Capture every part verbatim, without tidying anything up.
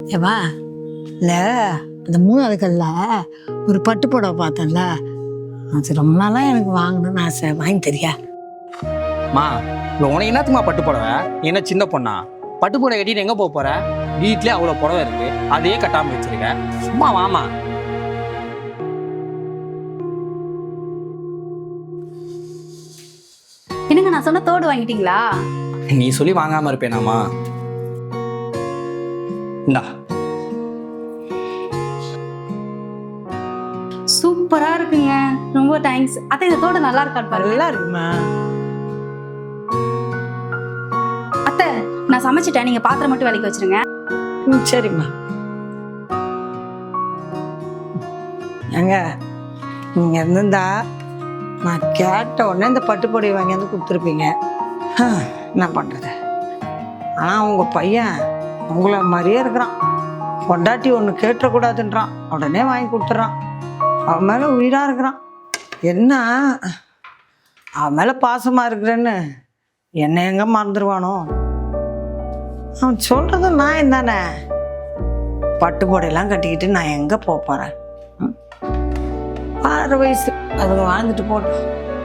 ஏவா இல்லை அந்த மூணாவது கல்ல ஒரு பட்டு புடவை பார்த்தேன்ல, அது ரொம்ப நாளாக எனக்கு வாங்கணும்னு ஆசை. வாங்கி தெரியா? மா இப்போ உனக்கு என்னத்துமா பட்டு புடவை? என்ன சின்ன பொண்ணா? பட்டு புடவை கட்டிட்டு எங்கே போக போற? வீட்லேயே அவ்வளோ புடவை இருக்கு, அதையே கட்டாமல் வச்சிருக்க. சும்மா வாமா. என்னங்க நான் சொன்ன தோடு வாங்கிட்டீங்களா? நீ சொல்லி வாங்காம இருப்பேனாமா? இந்தா. சூப்பரா இருக்குங்க, ரொம்ப தேங்க்ஸ். அத்தை இந்த தோடு நல்லா இருக்கான்னு பாருங்க. நல்லா இருக்குமா? அத்தை நான் சமைச்சிட்டேன், நீங்க பாத்திரம் மட்டும் விலைக்கு வச்சிருங்க. ம் சரிம்மா. ஏங்க நீங்கள் இருந்திருந்தா நான் கேட்ட உடனே இந்த பட்டு புடவை வாங்கி வந்து கொடுத்துருப்பீங்க. என்ன பண்ணுறது? ஆனால் உங்கள் பையன் உங்களை மாதிரியே இருக்கிறான். பொண்டாட்டி ஒன்று கேட்டக்கூடாதுன்றான், உடனே வாங்கி கொடுத்துட்றான். அவன் மேலே உயிராக இருக்கிறான். என்ன அவன் மேலே பாசமாக இருக்கிறேன்னு என்னை எங்கே மறந்துடுவானோ? அவன் சொல்கிறது நான் என்னதானே? பட்டு புடையெல்லாம் கட்டிக்கிட்டு நான் எங்கே போக போகிறேன்? ஆறு வயசு அதுங்க வாழ்ந்துட்டு போட்டோம்.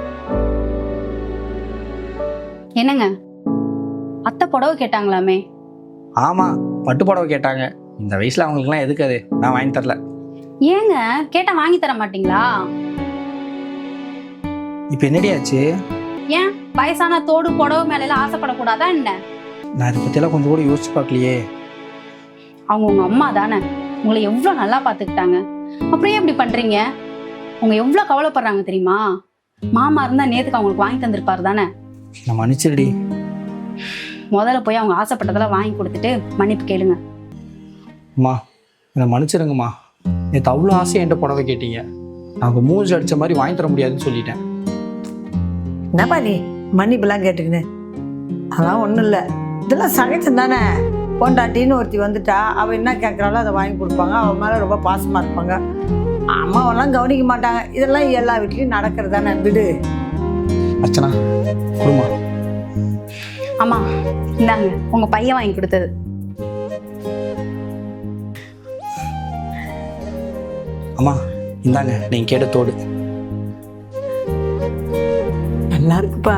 என்னங்க அத்தை புடவை கேட்டாங்களாமே? ஆமா, பட்டு புடவை கேட்டாங்க. இந்த வயசுல அவங்களுக்குலாம் எதுக்கு அது? நான் வாங்கி தரல. ஏங்க கேட்டா வாங்கி தர மாட்டீங்களா? இப்போ என்னடி ஆச்சு? ஏன் வயசான தோடு புடவை மேல எல்லாம் ஆசைப்படக்கூடாதா என்ன? நான் இதை பற்றியெல்லாம் கொஞ்சம் கூட யோசிச்சு பார்க்கலையே. அவங்க உங்க அம்மா தானே, உங்களை எவ்வளவு நல்லா பாத்துக்கிட்டாங்க. அப்படியே இப்படி பண்றீங்க? அவங்க எவ்வளவு கவலைப்படுறாங்க தெரியுமா? மாமா இருந்தா நேத்துக்கு அவங்களுக்கு வாங்கி தந்திருப்பாரு தானே. நான் மன்னிச்சிருடி. முதல்ல போய் அவங்க ஆசைப்பட்டதெல்லாம் வாங்கி கொடுத்துட்டு மன்னிப்பு கேளுங்க. அம்மா என்னை மன்னிச்சிருங்கம்மா. நேற்று அவ்வளோ ஆசையை என்கிட்ட புடவை கேட்டீங்க, நான் மூஞ்சி அடித்த மாதிரி வாங்கி தர முடியாதுன்னு சொல்லிட்டேன். என்னப்பா நீ மன்னிப்பெல்லாம் கேட்டுக்கின்னு? அதெல்லாம் ஒன்றும் இல்லை, இதெல்லாம் சகஜம் தானே. பொண்டாட்டின்னு ஒருத்தி வந்துட்டா அவள் என்ன கேட்குறாளோ அதை வாங்கி கொடுப்பாங்க. அவன் மேலே ரொம்ப பாசமாக இருப்பாங்க. அம்மாவெல்லாம் கவனிக்க மாட்டாங்க. இதெல்லாம் எல்லா வீட்லேயும் நடக்கிறது தானே. விடு. அர்ச்சனா குடுமா. ஆமா இந்தாங்க உங்க பையன் வாங்கி கொடுத்தது. அம்மா இந்தாங்க நீங்கள் கேட்ட தோடு. நல்லா இருக்குப்பா.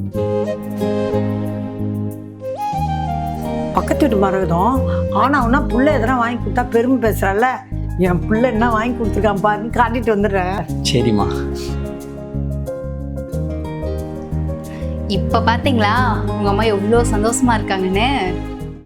பக்கத்து வீட்டு மரகதம் ஆனால் அவனா புள்ள எதனா வாங்கி கொடுத்தா பெருமை பேசுறாள். என் பிள்ளை என்ன வாங்கி கொடுத்துருக்கான் பாருன்னு காட்டிட்டு வந்துடுறேன். சரிம்மா. இப்ப பாத்தீங்களா உங்க அம்மா எவ்வளவு சந்தோஷமா இருக்காங்கன்னு?